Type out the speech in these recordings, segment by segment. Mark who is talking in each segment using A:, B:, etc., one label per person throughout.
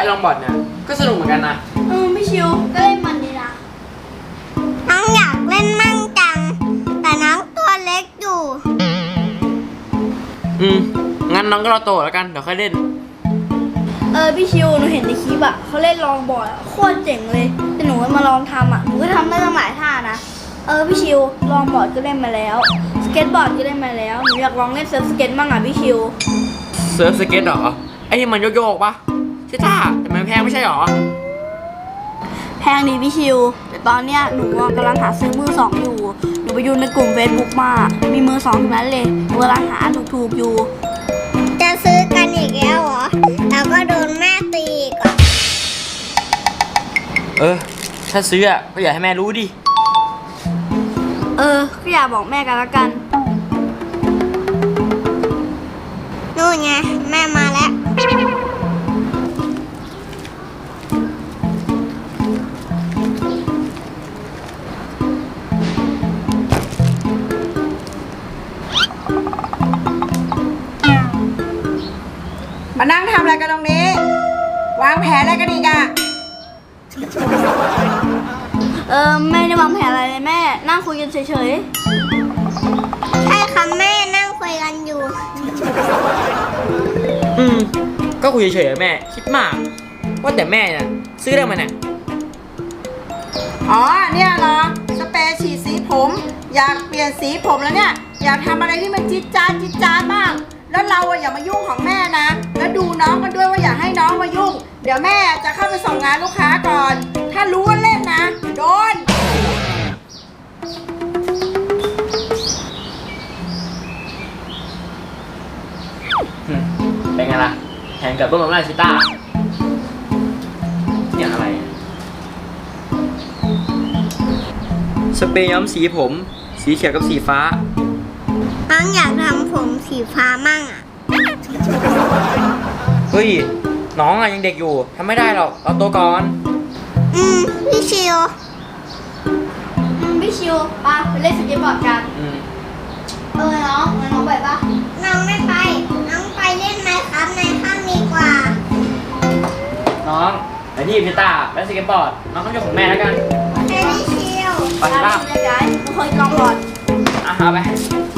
A: ลองบอร์ดเนี่ยก็สนุกเหมือนกันนะ
B: พี่ชิวก็เล่นมันดีนะ
C: น้องอยากเล่นมั่งจังแต่น้องตัวเล็กอยู่
A: งั้นน้องก็รอโตแล้วกันเดี๋ยวค่อยเล่น
B: พี่ชิวหนูเห็นในคลิปอะเขาเล่นลองบอร์ดโคตรเจ๋งเลยแต่หนูมาลองทำอะหนูก็ทำได้ตั้งหลายท่านะพี่ชิวลองบอร์ดก็เล่นมาแล้วสเก็ตบอร์ดก็เล่นมาแล้วหนูอยากลองเล่นเซิร์ฟสเก็ตบ้างอะพี่ชิว
A: เซิร์ฟสเก็ตเหรอไอ้ที่มันโยกๆปะใช่ท่าแต่มันแพงไม่ใช่หรอ
B: แพงดีพี่ชิวแต่ตอนเนี้ยหนูกำลังหาซื้อมือสองอยู่หนูไปดูในกลุ่ม Facebook มามีมือสองทั้งนั้นเลยหนูกำลังหาถูกๆอยู่
C: จะซื้อกันอีกแล้วเหรอแล้วก็โดนแม่ตีอีกอ่ะ
A: ถ้าซื้อก็อย่าให้แม่รู้ดิ
B: ก็อย่าบอกแม่กันละกัน
C: นู่นไงแม่มาแล้ว
D: มานั่งทำอะไรกันตรงนี้วางแผนอะไรกันอีกอะ
B: ไม่ได้วางแผนอะไรเลยแม่นั่งคุยกันเฉย
C: ใช่ค่ะแม่นั่งคุยกันอยู่
A: ก็คุยเฉยๆแม่คิดมากว่าแต่แม่น่ะซื้อได้มาเนี่ย
D: เนี่ยเหรอสเปรย์ฉีดสีผมอยากเปลี่ยนสีผมแล้วเนี่ยอยากทำอะไรที่มันจิ๊ดจ๊าดบ้างแล้วเราอย่ามายุ่งของแม่นะแล้วดูน้องกันด้วยว่าอย่าให้น้องมายุ่งเดี๋ยวแม่จะเข้าไปส่งงานลูกค้าก่อนถ้ารู้ว่าเล่นนะโดน
A: เป็นไงล่ะแข่งกับเบิ้มมาชิต้าเนี่ยอะไรสเปรย์ย้อมสีผมสีเขียวกับสีฟ้า
C: น้องอยากทำผมสีฟ้ามั่งอ่ะ
A: เฮ้ยน้องยังเด็กอยู่ทำไม่ได้หรอกเราโตก่อน
C: พี่ชิว
B: พี่ชิวไปเล่นสเก็ตบอร์ดกันน้องไปปะ
C: น้องไม่ไปน้องไปเล่นไหมครับในห้างดีกว่า
A: น้องไปที่พิต้าไปสเก็ตบอร์ดน้องต้องอยู่ของแม่แล้วกัน
C: พี่ชิว
A: ไปที่บ้าน
B: ย้ายน้องเคยลองบอร์ด
A: เอาไป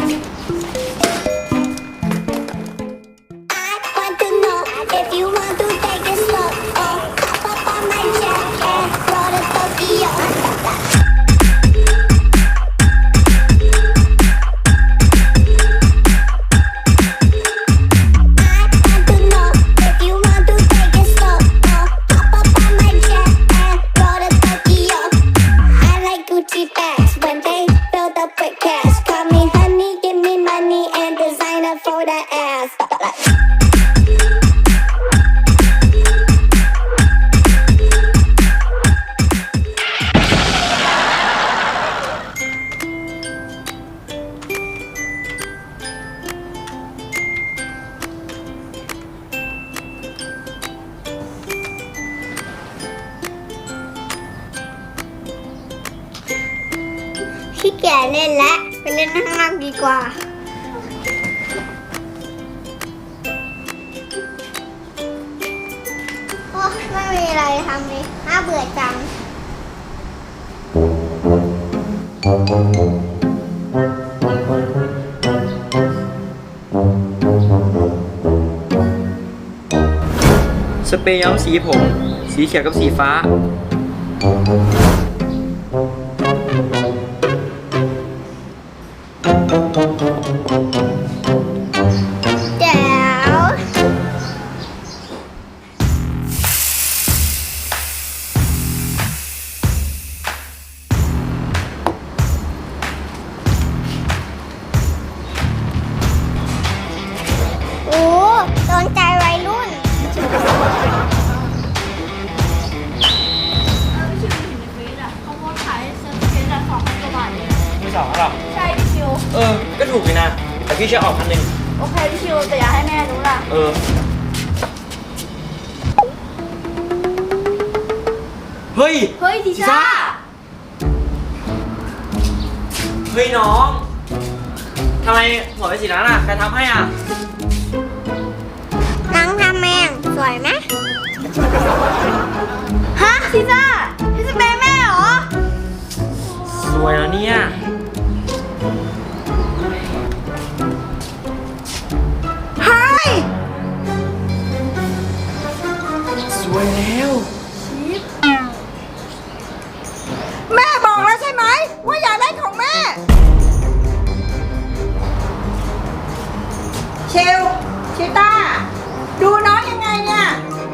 C: พี่แก่เล่นแล้วไปเล่นข้างนอกดีกว่าโอ้ไม่มีอะไรทำเลยน่าเบื่อจัง
A: สเปรย์ย้อมสีผมสีเขียวกับสีฟ้า
C: แจ๋วโอ้โดนใจวัยรุ่น
A: สองหรอ
B: ใช่พี่ชิว
A: ก็ถูกเลยนะแต่พี่ช่วยออกพันหนึ่ง
B: โอเคพี่ชิวแต่อย่าให้แม่รู้ล่ะ
A: เฮ้ย
B: ทิชา
A: เฮ้ยน้องทำไมหัวเป็นสีนั้นใครทำให้
C: น้องทำเองสวยไหม
B: ฮะซิซ่าพี่สเปรย์แม่เหรอ
A: สวยแล้วเนี่ย
D: เฮ้ย
A: สวยแล้ว
D: แม่บอกแล้วใช่ไหมว่าอย่าเล่นของแม่ เชลชิต้า ดูน้องยังไงเนี่ย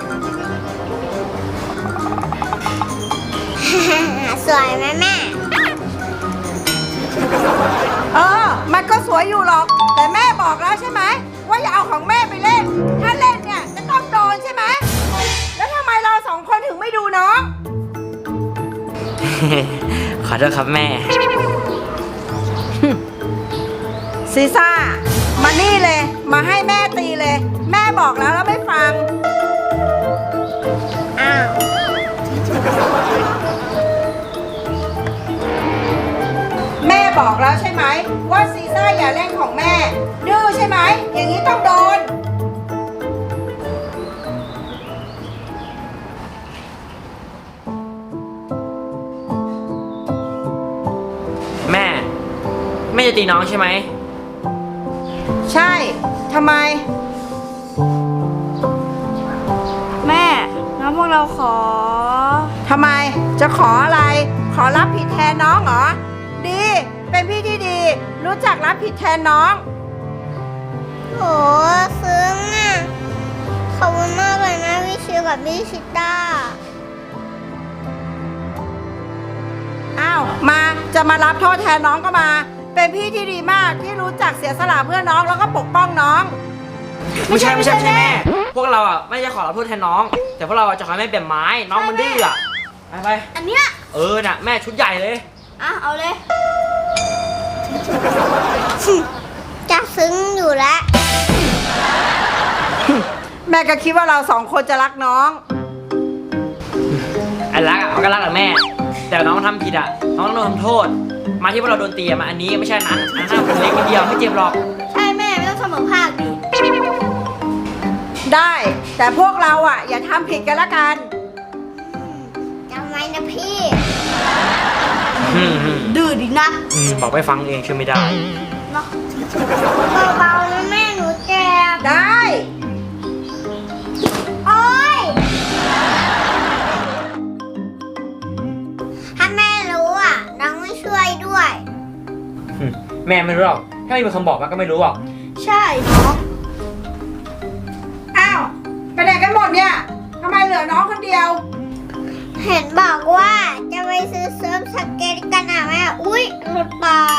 C: สวยไหมแม่
D: มันก็สวยอยู่หรอก แต่แม่บอกแล้วใช่ไหมว่าอย่าเอาของแม่ไปเล่น ถ้าเล่นเนี่ยจะต้องโดนใช่ไหม แล้วทำไมเราสองคนถึงไม่ดูน้อง
A: ขอโทษครับแม่
D: ซีซ่า มานี่เลย มาให้แม่ตีเลย แม่บอกแล้วแล้วไม่ฟัง
C: อ้าว
D: แม่บอกแล้วใช่ไหมว่าซีซ่าอย่าเล่นของแม่ ดื้อใช่ไหม อย่างนี้ต้องโดน
A: แม่ไม่จะตีน้องใช่ไหม
D: ใช่ ทำไม
B: แม่งั้นพวกเราขอ
D: ทำไม จะขออะไร ขอรับผิดแทนน้องเหรอ ดี เป็นพี่ที่ดี รู้จักรับผิดแทนน้อง
C: โหซึ้งอ่ะ ขอบคุณมากเลยนะพี่ชิวกับพี่ชิต้า
D: อ้าว มาจะมารับโทษแทนน้องก็มา เป็นพี่ที่ดีมากที่รู้จักเสียสละเพื่อน้องแล้วก็ปกป้องน้อง
A: ไม่ใช่แม่ พวกเราอ่ะไม่จะขอรับโทษแทนน้อง แต่พวกเราอ่ะจะขอให้แม่เปลี่ยนไม้ น้องมันดื้ออ่ะ ไป
B: อันเนี้ย
A: น่ะแม่ชุดใหญ่เลย
B: อ่ะเอาเลย
C: จะซึ้งอยู่แล้ว
D: แม่ก็คิดว่าเราสองคนจะรักน้อง
A: ไอ้รักอ่ะมันก็รักแหละแม่ แต่น้องทำผิดอ่ะ น้องต้องโดนทำโทษ มาที่พวกเราโดนตีอะมาอันนี้ไม่ใช่อันนั้นมันเล็กนิดเดียวไม่เจ็บหรอก
B: ใช่แม่ไม่ต้องเสมอภาคดิ
D: ได้ แต่พวกเราอ่ะ อย่าทำผิดกันละกัน
C: จำไว้นะพี่
B: ดื้อดินะ
A: บอกไปฟังเองเชื่อไม่ได้
B: เนาะ
C: เบาๆนะแม่หนูเจ็บ
D: ได้
C: โอ๊ย ถ้าแม่รู้อ่ะ น้องไม่ช่วยด้วย
A: แม่ไม่รู้หรอก ถ้าไม่มีคำบอกมันก็ไม่รู้หรอก
B: ใช่น้อง
D: อ้าว ไปไหนกันหมดเนี่ยทำไมเหลือน้องคนเดียว
C: เห็นบอกว่าจะไปซื้อเซิร์ฟสเก็ตกันอ่ะแม่ อุ๊ย หลุดปาก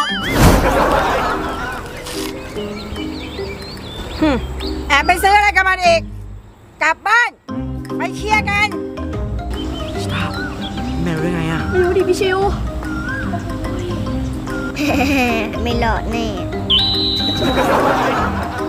D: แอบไปซื้ออะไรกันมาอีก กลับบ้าน ไปเคลียร์กัน
A: แม่รู้ได้ไงอ่ะ
B: ไม่รู้ดิพี่ชิว
C: ไม่หลอดแน่